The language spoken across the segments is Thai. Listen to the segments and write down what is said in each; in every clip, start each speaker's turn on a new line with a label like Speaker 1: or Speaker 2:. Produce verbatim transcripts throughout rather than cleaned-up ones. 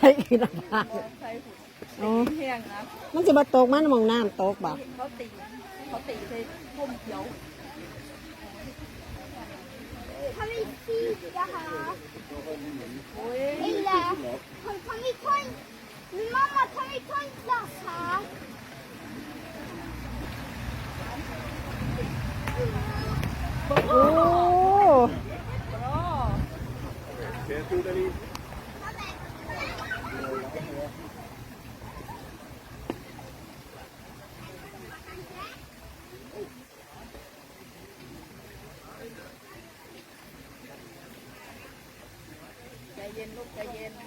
Speaker 1: กี่ละบาท
Speaker 2: ใช่หุ่น
Speaker 1: อ๋อ
Speaker 2: แห้งนะ
Speaker 1: มันจะมาตกมันมองน้ำตกบ่
Speaker 2: เขาตีเขาตีใส่พุ่มเขียว
Speaker 3: ทำไมซีจ้าคะ
Speaker 2: โอ้ย
Speaker 3: นี่แหละคนทำไมคนมามาทำไมคนจ้าคะ
Speaker 1: โอ้
Speaker 2: ใจเย็นลูกใจเย็น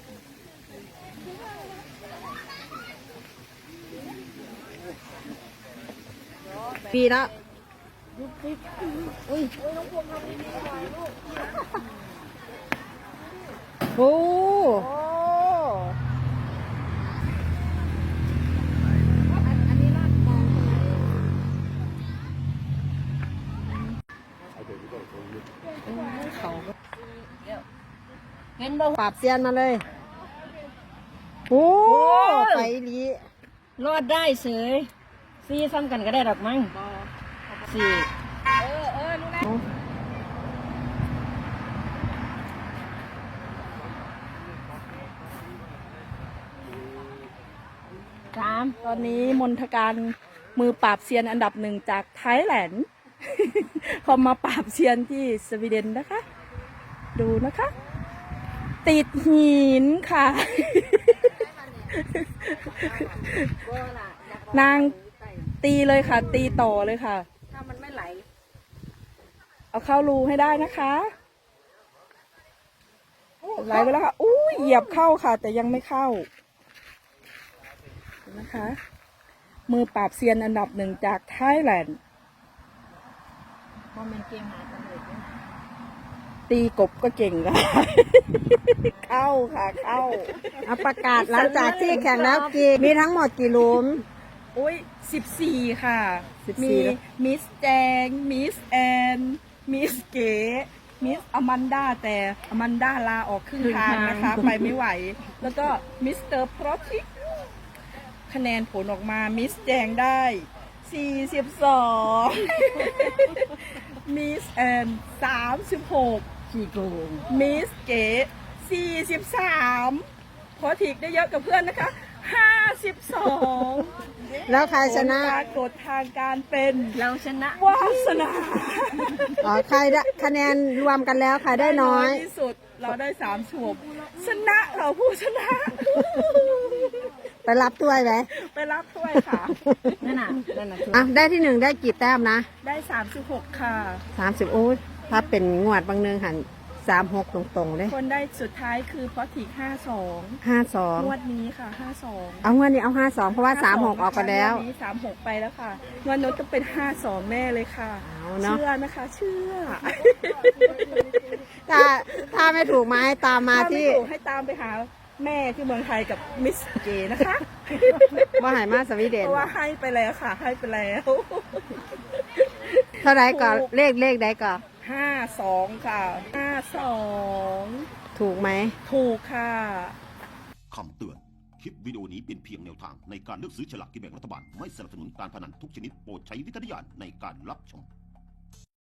Speaker 1: ปีแล้วอุ้ยโอ้
Speaker 2: โอ้อันนี้ลาดกลางใช่ไหม
Speaker 1: เขา
Speaker 2: เห็นบ่
Speaker 1: ปราบเซียนมาเลยโอ้ไปลี
Speaker 4: รอดได้เสยซีซ้ำกันก็ได้ดอกมั้งสี่
Speaker 2: เออเออรู้แล้ว
Speaker 4: สาม
Speaker 2: ตอนนี้มนทการมือปราบเซียนอันดับหนึ่งจากไทยแลนด์ เขามาปราบเซียนที่สวีเดนนะคะ ดูนะคะ ติดหินค่ะ นางตีเลยค่ะ ตีต่อเลยค่ะ
Speaker 4: ถ้ามันไม่ไหล
Speaker 2: เอาเข้ารูให้ได้นะคะไหลไปแล้วค่ะอู้ยเหยียบเข้าค่ะ แต่ยังไม่เข้านะคะ มือปราบเซียนอันดับหนึ่งจากไทยแลนด์
Speaker 4: พอมันเกมหาตำรวจ
Speaker 2: ตีกบก็เก่งค่ะ เข้าค่ะเข้า
Speaker 1: เอาประกาศหลังจากที่แข่งแล้วกี่มีทั้งหมดกี่หลุม
Speaker 2: อุ้ยสิบสี่ค่ะ
Speaker 1: สิบสี่
Speaker 2: มี
Speaker 1: แล้ว
Speaker 2: มิสแจง มิสแอนมิสเก๋มิสอแมนดาแต่อแมนดาลาออกครึ่งทางนะคะ ไปไม่ไหว แล้วก็มิสเตอร์พรอติกคะแนนผลออกมา มิสแจงได้สี่สิบสอง มิสแอนสามสิบหก
Speaker 4: ขี้โกง
Speaker 2: มิสเก๋สี่สิบสามพอถิกได้เยอะกับเพื่อนนะคะห้าสิบสอง
Speaker 1: แล้วใครชนะ
Speaker 2: ปรากฏทางการเป็น
Speaker 4: เราชนะ
Speaker 2: วาสนา
Speaker 1: อ๋อใครได้คะแนนรวมกันแล้วใครได้น้อย
Speaker 2: ที่สุดเราได้สามฉบชนะเราผู้ชนะ
Speaker 1: ไปรับถ้วยไหม
Speaker 2: ไปรับถ้วยค่ะ
Speaker 4: นั่นน่ะนั่นน่ะคือ
Speaker 1: อ่ะได้ที่หนึ่งได้กี่แต้มนะ
Speaker 2: ได้สามสิบหกค่ะ
Speaker 1: สามสิบโอ้ยถ้าเป็นงวดบางเนืองหันสามหกตรงๆเลย
Speaker 2: คนได้สุดท้ายคือพอถิกห้าสอง
Speaker 1: ห้าสอง
Speaker 2: งวดนี้ค่ะห้าสอง
Speaker 1: เอางวดนี้เอาห้าสองเพราะว่าสามหกออกไปแล้ว
Speaker 2: งวดนี้สามหกไปแล้วค่ะงวดโน้นต้องเป็นห้าสองแน่เลยค่ะ
Speaker 1: เอาเนอะ
Speaker 2: เชื่อนะคะ เชื่อ
Speaker 1: ถ้าถ้าไม่ถูกมาให้ตามมา
Speaker 2: ถ้าไม่
Speaker 1: ที่
Speaker 2: ถูกให้ตามไปหาแม่ที่เมืองไทยกับมิสเกนะคะ
Speaker 1: ว่าหายมาสวีเด
Speaker 2: เพ
Speaker 1: น
Speaker 2: ราะว่าให้ไปแล้วค่ะ ให้ไปแล้ว
Speaker 1: เท่าไรก่อนเลขเลขใดก่อน
Speaker 2: ห้าสองค่ะห้าสอง
Speaker 1: ถูกไหม
Speaker 2: ถูกค่ะ
Speaker 5: คำเตือน คลิปวิดีโอนี้เป็นเพียงแนวทางในการเลือกซื้อฉลากกินแบ่งรัฐบาล ไม่สนับสนุนการพนันทุกชนิดโปรดใช้วิจารณญาณในการรับชม